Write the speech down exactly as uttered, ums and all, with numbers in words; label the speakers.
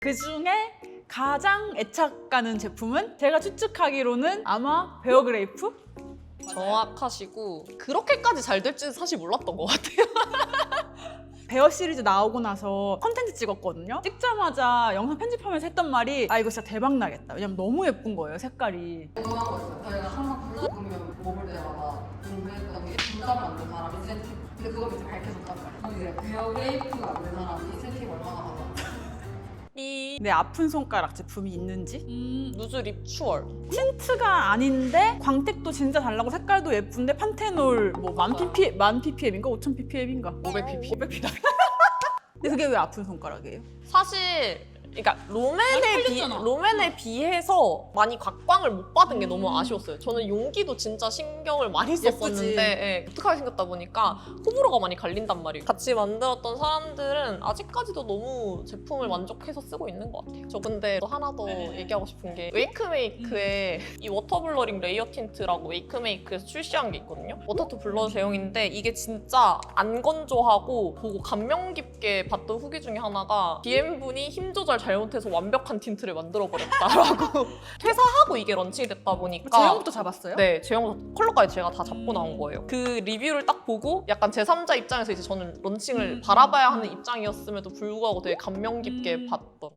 Speaker 1: 그 중에 가장 애착 가는 제품은 제가 추측하기로는 아마 베어그레이프?
Speaker 2: 정확하시고 그렇게까지 잘 될지는 사실 몰랐던 것 같아요.
Speaker 1: 베어 시리즈 나오고 나서 컨텐츠 찍었거든요. 찍자마자 영상 편집하면서 했던 말이 아 이거 진짜 대박 나겠다. 왜냐면 너무 예쁜 거예요, 색깔이.
Speaker 3: 궁금한 거 있어요. 저희가 항상 블루금이면 먹을 때마다 궁금했던 게 분담 만든 사람 인센티브. 근데 그걸 이제 밝혀줬단 말이에요. 이제 베어그레이프가 만든 사람 인센티브 얼마나 받아?
Speaker 2: 이
Speaker 1: 내 아픈 손가락 제품이 있는지?
Speaker 2: 음, 누즈 립 추월.
Speaker 1: 틴트가 아닌데 광택도 진짜 잘 나고 색깔도 예쁜데 판테놀 뭐 만 ppm, 만 ppm인가 오천 ppm인가?
Speaker 2: 오백 ppm.
Speaker 1: 오백 ppm. 근데 그게 왜 아픈 손가락이에요?
Speaker 2: 사실 그러니까 롬앤에
Speaker 1: 많이
Speaker 2: 비
Speaker 1: 팔렸잖아.
Speaker 2: 롬앤에 비해서 많이 각광을 못 받은 게
Speaker 1: 음.
Speaker 2: 너무 아쉬웠어요. 저는 용기도 진짜 신경을 많이
Speaker 1: 예쁘지.
Speaker 2: 썼었는데 예, 독특하게 생겼다 보니까 호불호가 많이 갈린단 말이에요. 같이 만들었던 사람들은 아직까지도 너무 제품을 만족해서 쓰고 있는 것 같아요. 저 근데 또 하나 더
Speaker 1: 네.
Speaker 2: 얘기하고 싶은 게 웨이크메이크의 이 워터블러링 레이어 틴트라고 웨이크메이크에서 출시한 게 있거든요. 워터투 블러 제형인데 이게 진짜 안 건조하고 보고 감명 깊게 봤던 후기 중에 하나가 디엠분이 힘 조절 잘못해서 완벽한 틴트를 만들어버렸다라고 퇴사하고 이게 런칭이 됐다 보니까
Speaker 1: 제형부터 잡았어요?
Speaker 2: 네, 제형 컬러까지 제가 다 잡고 나온 거예요. 그 리뷰를 딱 보고 약간 제삼자 입장에서 이제 저는 런칭을
Speaker 1: 음.
Speaker 2: 바라봐야 하는 입장이었음에도 불구하고 되게 감명 깊게
Speaker 1: 음.
Speaker 2: 봤던